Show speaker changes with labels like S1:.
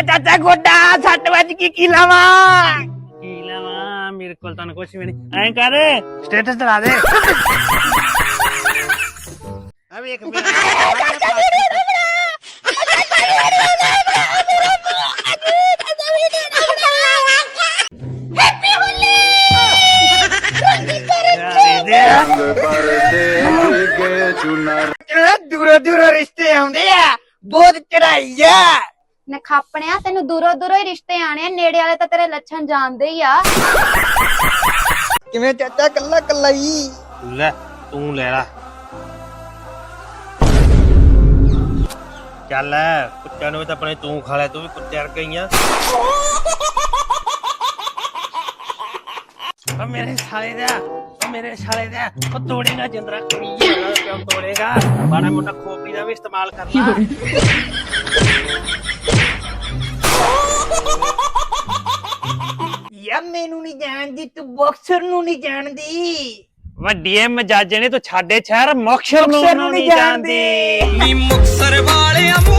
S1: ਚਾਚਾ ਗੋਡਾ 6 ਵਜ ਕੀ ਲਾਵਾਂ
S2: ਮੇਰੇ ਕੋਲ ਤਾਂ ਕੁਛ ਵੀ ਨਹੀਂ। ਐਂ ਕਰ
S1: ਸਟੇਟਸ ਚਲਾ ਦੇ।
S2: ਆ ਵੇਖ
S1: ਦੂਰੋਂ ਦੂਰੋਂ ਰਿਸ਼ਤੇ ਆਉਂਦੇ ਆ, ਬਹੁਤ ਚੜਾਈ ਆ।
S3: ਨਖਾਪਣਿਆ ਤੈਨੂੰ ਦੂਰੋਂ ਦੂਰੋਂ ਹੀ ਰਿਸ਼ਤੇ ਆਣੇ ਆ, ਨੇੜੇ ਵਾਲੇ ਤਾਂ ਤੇਰੇ ਲੱਛਣ ਜਾਣਦੇ ਹੀ ਆ।
S1: ਕਿਵੇਂ ਚਾਚਾ ਕੱਲਾ ਕੱਲਾ ਹੀ?
S2: ਲੈ ਤੂੰ ਲੈ ਲਾ। ਚੱਲ ਕੁੱਤਿਆਂ ਨੂੰ ਤਾਂ ਆਪਣੇ ਤੂੰ ਖਾ ਲੈ, ਤੂੰ ਵੀ ਕੁੱਤੇ ਵਰਗਾ ਹੀ ਆ। ਮੇਰੇ ਸਾਲੇ ਦਾ ਉਹ ਤੋੜੇਗਾ ਜਿੰਦਰਾ ਕੁੜੀ ਕਿਉਂ ਤੋੜੇਗਾ? ਮਾੜਾ ਮੋਟਾ ਖੋਪੀ ਦਾ ਵੀ ਇਸਤੇਮਾਲ ਕਰ ਲਾ।
S1: ਯਾ ਮੈਨੂੰ ਨਹੀਂ ਜਾਣਦੀ, ਤੂੰ ਬਾਕਸਰ ਨੂੰ ਨਹੀਂ ਜਾਣਦੀ।
S2: ਵੱਡੀਏ ਮਜਾਜੇ ਨੇ ਤੂੰ ਛਾੜੇ ਸ਼ਹਿਰ ਮੁਕਤਸਰ ਨੂੰ ਨਹੀਂ ਜਾਣਦੀ।
S4: ਨੀ ਮੁਕਤਸਰ ਵਾਲਿਆਂ